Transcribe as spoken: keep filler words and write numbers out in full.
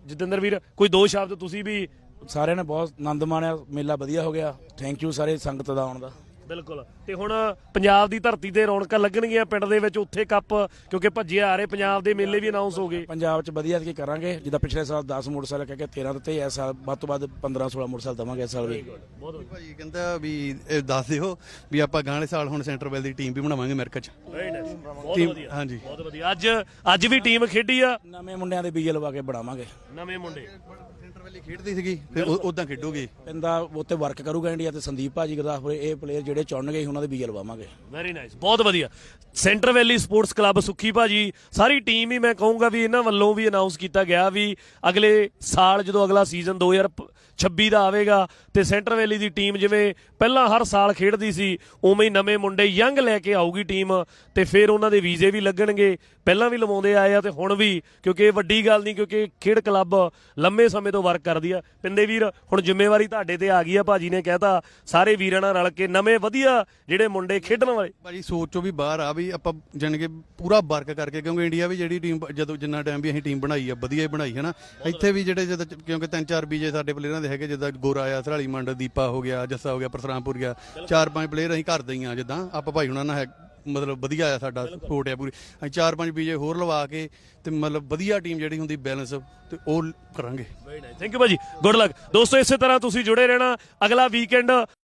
ਜਤਿੰਦਰ ਵੀਰ ਕੋਈ ਦੋ ਸ਼ਬਦ ਤੁਸੀਂ ਵੀ। ਸਾਰਿਆਂ ਨੇ ਬਹੁਤ ਆਨੰਦ ਮਾਣਿਆ, ਮੇਲਾ ਵਧੀਆ ਹੋ ਗਿਆ। ਥੈਂਕ ਯੂ ਸਾਰੇ ਸੰਗਤ ਦਾ ਆਉਣ ਦਾ। ਬਿਲਕੁਲ। ਤੇ ਹੁਣ ਪੰਜਾਬ ਦੀ ਧਰਤੀ ਤੇ ਰੌਣਕਾਂ ਲੱਗਣਗੀਆਂ ਪਿੰਡ ਦੇ ਵਿੱਚ, ਉੱਥੇ ਕੱਪ ਕਿਉਂਕਿ ਭੱਜੇ ਆ ਰਹੇ ਪੰਜਾਬ ਦੇ ਮੇਲੇ ਵੀ ਅਨਾਉਂਸ ਹੋ ਗਏ। ਪੰਜਾਬ 'ਚ ਵਧੀਆ ਕੀ ਕਰਾਂਗੇ, ਜਿੱਦਾਂ ਪਿਛਲੇ ਸਾਲ ਦਸ ਮੋਟਰਸਾਈਕਲ ਕਹਿ ਕੇ ਤੇਰਾਂ ਦਿੱਤੇ, ਇਸ ਸਾਲ ਵੱਧ ਤੋਂ ਵੱਧ ਪੰਦਰਾਂ ਸੋਲਾਂ ਮੋਟਰਸਾਈਕਲ ਦੇਵਾਂਗੇ ਇਸ ਸਾਲ ਵੀ। ਬਹੁਤ ਭਾਜੀ ਕਹਿੰਦਾ ਵੀ ਇਹ ਦੱਸ ਦਿਓ ਵੀ ਆਪਾਂ ਗਾਂ ਵਾਲੇ ਸਾਲ ਹੁਣ ਸੈਂਟਰ ਵੈਲ ਦੀ ਟੀਮ ਵੀ ਬਣਾਵਾਂਗੇ ਅਮਰੀਕਾ 'ਚ। ਬਹੁਤ ਟੀਮ ਵਧੀਆ, ਹਾਂਜੀ ਬਹੁਤ ਵਧੀਆ। ਅੱਜ ਅੱਜ ਵੀ ਟੀਮ ਖੇਡੀ ਆ, ਨਵੇਂ ਮੁੰਡਿਆਂ ਦੇ ਬੀਜੇ ਲਵਾ ਕੇ ਬਣਾਵਾਂਗੇ। ਨਵੇਂ ਮੁੰਡੇ ਸੈਂਟਰ ਵੈਲੀ ਖੇਡਦੀ ਸੀਗੀ ਫਿਰ ਉਦਾਂ ਖੇਡੂਗੀ। ਪਿੰਦਾ ਉੱਤੇ ਵਰਕ ਕਰੂਗਾ ਇੰਡੀਆ ਤੇ ਸੰਦੀਪ ਭਾਜੀ ਗੁਰਦਾਸਪੁਰ, ਇਹ ਪਲੇਅਰ ਜਿਹੜੇ ਚੁਣਨਗੇ ਉਹਨਾਂ ਦੇ ਬੀਜੇ ਲਵਾਵਾਂਗੇ। ਵੈਰੀ ਨਾਈਸ, ਬਹੁਤ ਵਧੀਆ। Centre Valley sports club Sukhi ਭਾਜੀ, ਸਾਰੀ ਟੀਮ ਹੀ ਮੈਂ ਕਹੂੰਗਾ ਵੀ ਇਹਨਾਂ ਵੱਲੋਂ ਵੀ ਅਨਾਉਂਸ ਕੀਤਾ ਗਿਆ ਵੀ ਅਗਲੇ ਸਾਲ ਜਦੋਂ ਅਗਲਾ ਸੀਜ਼ਨ ਦੋ ਹਜ਼ਾਰ ਛੱਬੀ ਦਾ ਆਵੇਗਾ ਤੇ ਸੈਂਟਰ ਵੈਲੀ ਦੀ ਟੀਮ ਜਿਵੇਂ ਪਹਿਲਾਂ ਹਰ ਸਾਲ ਖੇਡਦੀ ਸੀ ਉਵੇਂ ਹੀ ਨਵੇਂ ਮੁੰਡੇ ਯੰਗ ਲੈ ਕੇ ਆਊਗੀ ਟੀਮ, ਤੇ ਫਿਰ ਉਹਨਾਂ ਦੇ ਵੀਜ਼ੇ ਵੀ ਲੱਗਣਗੇ। ਪਹਿਲਾਂ ਵੀ ਲਵਾਉਂਦੇ ਆਏ ਆ ਤੇ ਹੁਣ ਵੀ, ਕਿਉਂਕਿ ਇਹ ਵੱਡੀ ਗੱਲ ਨਹੀਂ, ਕਿਉਂਕਿ ਖੇਡ ਕਲੱਬ ਲੰਮੇ ਸਮੇਂ ਤੋਂ ਵਰਕ ਕਰਦੀ ਆ। ਪਿੰਦੇ ਵੀਰ ਹੁਣ ਜ਼ਿੰਮੇਵਾਰੀ ਤੁਹਾਡੇ ਤੇ ਆ ਗਈ ਆ, ਭਾਜੀ ਨੇ ਕਹਿਤਾ ਸਾਰੇ ਵੀਰਾਂ ਨਾਲ ਰਲ ਕੇ ਨਵੇਂ ਵਧੀਆ ਜਿਹੜੇ ਮੁੰਡੇ ਖੇਡਣ ਵਾਲੇ। ਭਾਜੀ ਸੋਚ ਚੋਂ ਵੀ ਬਾਹਰ ਆ ਵੀ ਆਪਾਂ ਜਾਣੀ ਕਿ ਪੂਰਾ ਵਰਕ ਕਰਕੇ, ਕਿਉਂਕਿ ਇੰਡੀਆ ਵੀ ਜਿਹੜੀ ਟੀਮ ਜਦੋਂ ਜਿੰਨਾ ਟਾਈਮ ਵੀ ਅਸੀਂ ਟੀਮ ਬਣਾਈ ਆ ਵਧੀਆ ਹੀ ਬਣਾਈ ਹੈ ਨਾ। ਇੱਥੇ ਵੀ ਜਿਹੜੇ ਜਦੋਂ ਕਿਉਂਕਿ ਤਿੰਨ ਚਾਰ ਬੀਜੇ ਸਾਡੇ ਪਲੇਅਰਾਂ ਦੇ ਹੈਗੇ, ਜਿੱਦਾਂ ਗੋਰਾ ਆ, ਸਰਾਲੀ ਮੰਡ, ਦੀਪਾ ਹੋ ਗਿਆ, ਜੱਸਾ ਹੋ ਗਿਆ, ਪਰਸਰਾਮਪੁਰ ਗਿਆ, ਚਾਰ ਪੰਜ ਪਲੇਅਰ ਅਸੀਂ ਘਰ ਦੇ ਹੀ ਆ। ਜਿੱਦਾਂ ਆਪਾਂ ਭਾਈ ਹੁਣਾਂ ਨਾਲ ਹੈ ਮਤਲਬ ਵਧੀਆ ਆ, ਸਾਡਾ ਸਪੋਰਟ ਆ ਪੂਰੀ। ਅਸੀਂ ਚਾਰ ਪੰਜ ਬੀਜੇ ਹੋਰ ਲਵਾ ਕੇ ਤੇ ਮਤਲਬ ਵਧੀਆ ਟੀਮ ਜਿਹੜੀ ਹੁੰਦੀ ਬੈਲੈਂਸ ਤੇ ਉਹ ਕਰਾਂਗੇ। ਥੈਂਕ ਯੂ ਭਾਜੀ, ਗੁੱਡ ਲੱਕ ਦੋਸਤੋ। ਇਸੇ ਤਰ੍ਹਾਂ ਤੁਸੀਂ ਜੁੜੇ ਰਹਿਣਾ। ਅਗਲਾ ਵੀਕਐਂਡ